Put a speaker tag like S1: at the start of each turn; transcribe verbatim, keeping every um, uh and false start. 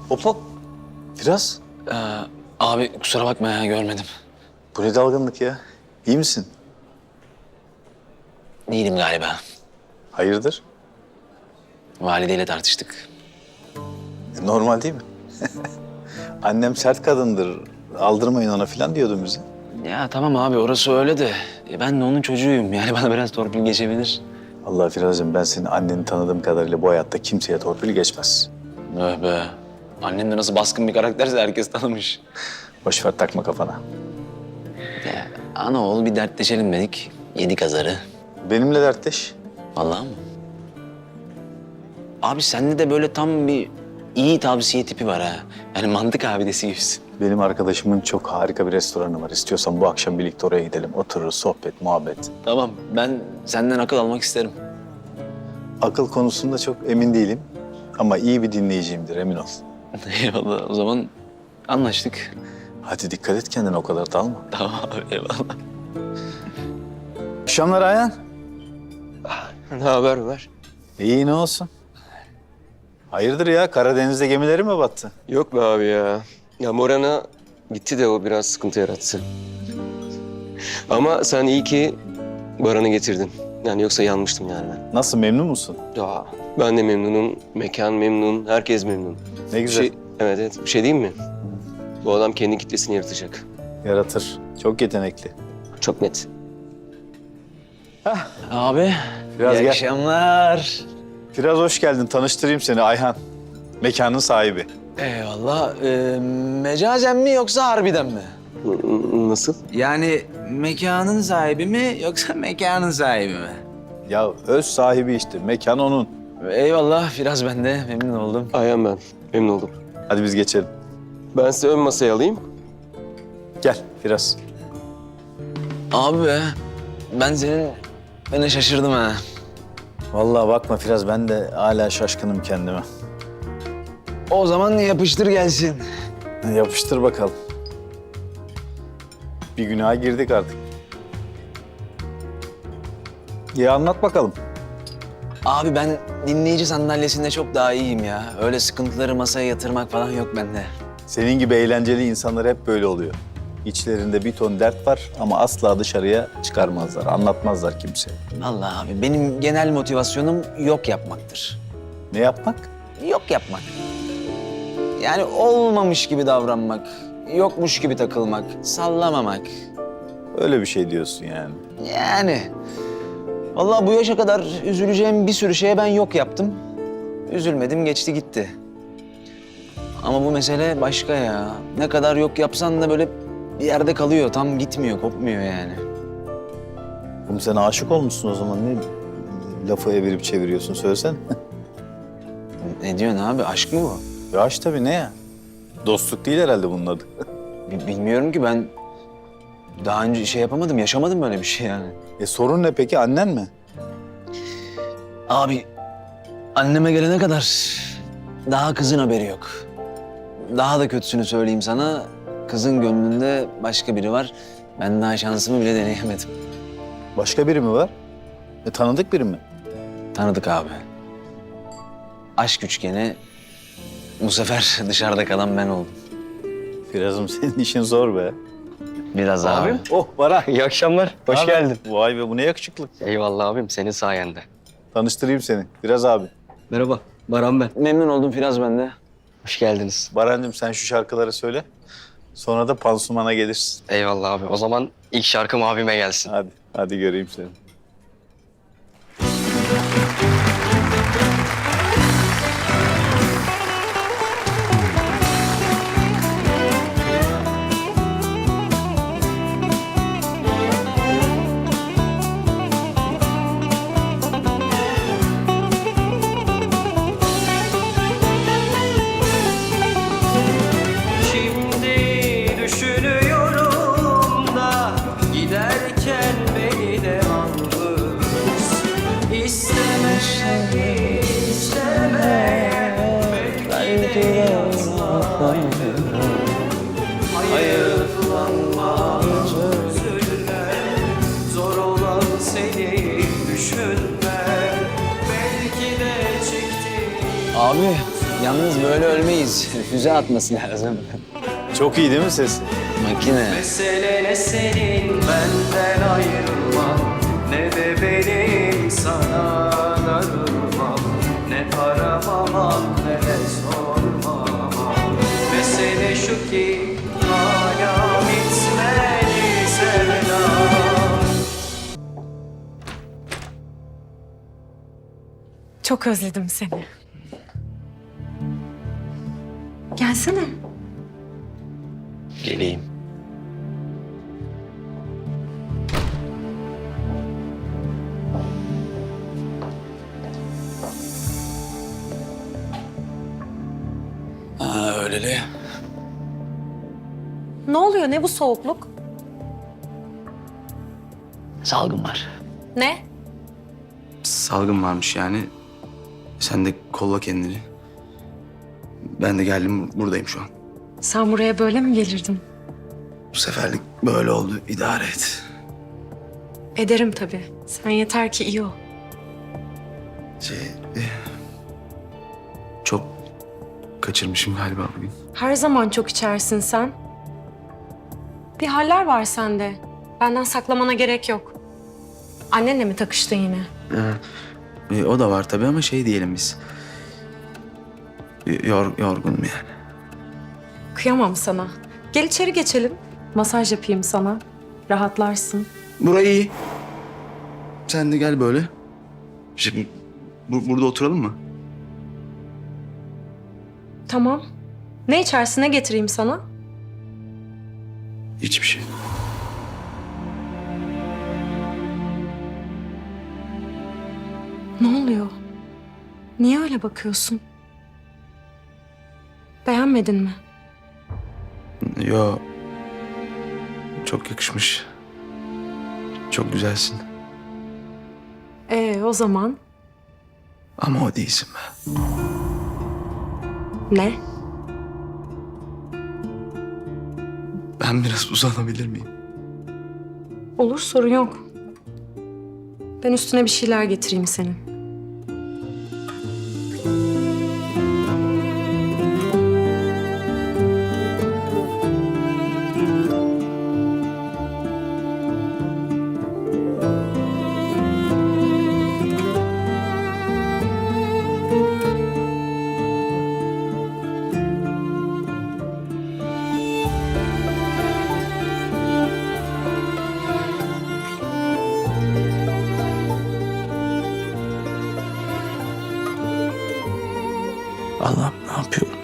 S1: Hop hop. Biraz.
S2: Ee, abi kusura bakma ya görmedim.
S1: Bu ne dalgınlık ya? İyi misin?
S2: Değilim galiba.
S1: Hayırdır?
S2: Valideyle tartıştık.
S1: E, normal değil mi? Annem sert kadındır. Aldırmayın ona falan diyordun bize.
S2: Ya tamam abi orası öyle de e, ben de onun çocuğuyum. Yani bana biraz torpil geçebilir.
S1: Allah Firuz'cığım, ben senin anneni tanıdığım kadarıyla bu hayatta kimseye torpil geçmez.
S2: Öh be. Annem de nasıl baskın bir karakterse herkes tanımış.
S1: Boş ver, takma kafana.
S2: Ya, ana oğul bir dertleşelim dedik. Yedik azarı.
S1: Benimle dertleş.
S2: Vallahi mı? Abi sende de böyle tam bir iyi tavsiye tipi var ha. Yani mantık abidesi gibisin.
S1: Benim arkadaşımın çok harika bir restoranı var. İstiyorsan bu akşam birlikte oraya gidelim. Otururuz, sohbet, muhabbet.
S2: Tamam ben senden akıl almak isterim.
S1: Akıl konusunda çok emin değilim. Ama iyi bir dinleyiciyimdir, emin ol.
S2: Eyvallah o zaman anlaştık.
S1: Hadi dikkat et kendine, o kadar dalma.
S2: Tamam abi eyvallah.
S1: Akşamlar Ayhan.
S3: Ne haber var?
S1: İyi, ne olsun? Hayırdır ya, Karadeniz'de gemileri mi battı?
S3: Yok be abi ya. Ya Moran'a gitti de o biraz sıkıntı yarattı. Ama sen iyi ki Baran'ı getirdin. Yani yoksa yanmıştım yani ben.
S1: Nasıl, memnun musun?
S3: Ya ben de memnunum. Mekan memnun. Herkes memnun.
S1: Ne
S3: Bir
S1: güzel.
S3: şey, evet evet. Bir şey diyeyim mi? Bu adam kendi kitlesini yaratacak.
S1: Yaratır. Çok yetenekli.
S3: Çok net.
S2: Abi
S1: Biraz
S2: iyi
S1: gel.
S2: akşamlar.
S1: Biraz hoş geldin. Tanıştırayım seni, Ayhan. Mekanın sahibi.
S2: Eyvallah. Ee, mecazen mi yoksa harbiden mi?
S3: N- Nasıl?
S2: Yani mekanın sahibi mi yoksa mekanın sahibi mi?
S1: Ya öz sahibi işte. Mekan onun.
S2: Eyvallah biraz ben de memnun oldum.
S3: Ayhan ben. Memnun oldum.
S1: Hadi biz geçelim.
S3: Ben size ön masayı alayım.
S1: Gel biraz.
S2: Abi be ben senin beni şaşırdım ha.
S1: Vallahi bakma Firaz, ben de hala şaşkınım kendime.
S2: O zaman yapıştır gelsin.
S1: Yapıştır bakalım. Bir günaha girdik artık. Ya anlat bakalım.
S2: Abi ben dinleyici sandalyesinde çok daha iyiyim ya. Öyle sıkıntıları masaya yatırmak falan yok bende.
S1: Senin gibi eğlenceli insanlar hep böyle oluyor. İçlerinde bir ton dert var ama asla dışarıya çıkarmazlar, anlatmazlar kimseye.
S2: Vallahi abi benim genel motivasyonum yok yapmaktır.
S1: Ne yapmak?
S2: Yok yapmak. Yani olmamış gibi davranmak, yokmuş gibi takılmak, sallamamak.
S1: Öyle bir şey diyorsun yani.
S2: Yani vallahi bu yaşa kadar üzüleceğim bir sürü şeye ben yok yaptım. Üzülmedim, geçti gitti. Ama bu mesele başka ya. Ne kadar yok yapsan da böyle bir yerde kalıyor, tam gitmiyor, kopmuyor yani.
S1: Oğlum sen aşık olmuşsun o zaman, ne lafı evirip çeviriyorsun, söylesene.
S2: Ne diyorsun abi, aşk mı bu?
S1: Ya aşk tabii, ne ya? Dostluk değil herhalde bunun adı.
S2: Bi- Bilmiyorum ki ben daha önce şey yapamadım, yaşamadım böyle bir şey yani.
S1: E sorun ne peki, annen mi?
S2: Abi anneme gelene kadar daha kızın haberi yok. Daha da kötüsünü söyleyeyim sana, kızın gönlünde başka biri var. Ben daha şansımı bile deneyemedim.
S1: Başka biri mi var? E tanıdık biri mi?
S2: Tanıdık abi. Aşk üçgeni bu sefer dışarıda kalan ben oldum.
S1: Firaz'ım senin işin zor be.
S2: Biraz abi.
S1: Oh Baran.
S4: İyi akşamlar. Hoş
S1: Naber?
S4: geldin.
S1: Vay be, bu ne yakışıklık.
S4: Eyvallah abim, senin sayende.
S1: Tanıştırayım seni. Firaz abi.
S4: Merhaba, Baran ben.
S2: Memnun oldum Firaz ben de.
S4: Hoş geldiniz.
S1: Barancığım sen şu şarkıları söyle. Sonra da pansumana gelirsin.
S4: Eyvallah abi. O zaman ilk şarkım abime gelsin.
S1: Hadi, hadi göreyim seni.
S5: Şimdi düşünüyorum da giderken beni de almış. İsteme, isteme, belki de yazmayı. Hayıflanma, üzülme, zor olan seni düşünme. Belki de çektiğim
S2: Abi Yalnız böyle ölmeyiz. Füze atması lazım.
S1: Çok iyi değil mi sesi?
S2: Makine.
S5: Mesele ne senin benden ayrılman, ne de benim sana darılmam, ne aramaman ne de sormaman. Mesele şu ki hala bitmedi sevdam.
S6: Çok özledim seni. Gelsene.
S4: Geleyim.
S2: Ha öyleli.
S6: Ne oluyor? Ne bu soğukluk?
S7: Salgın var.
S6: Ne?
S8: Salgın varmış yani. Sen de kolla kendini. Ben de geldim, buradayım şu an.
S6: Sen buraya böyle mi gelirdin?
S8: Bu seferlik böyle oldu, idare et.
S6: Ederim tabii. Sen yeter ki iyi ol.
S8: Şey, eh, çok kaçırmışım galiba bugün.
S6: Her zaman çok içersin sen. Bir haller var sende. Benden saklamana gerek yok. Annenle mi takıştın yine?
S8: E, o da var tabii ama şey diyelim biz. Yor, yorgunum yani.
S6: Kıyamam sana. Gel içeri geçelim. Masaj yapayım sana. Rahatlarsın.
S8: Burayı iyi. Sen de gel böyle. Şimdi bu- burada oturalım mı?
S6: Tamam. Ne içersin, ne getireyim sana?
S8: Hiçbir şey.
S6: Ne oluyor? Niye öyle bakıyorsun? Beğenmedin mi?
S8: Yo. Çok yakışmış. Çok güzelsin.
S6: Ee, o zaman
S8: Ama o değilsin be.
S6: ne?
S8: Ben biraz uzanabilir miyim?
S6: Olur, sorun yok. Ben üstüne bir şeyler getireyim senin.
S8: Allah'ım ne yapıyorum?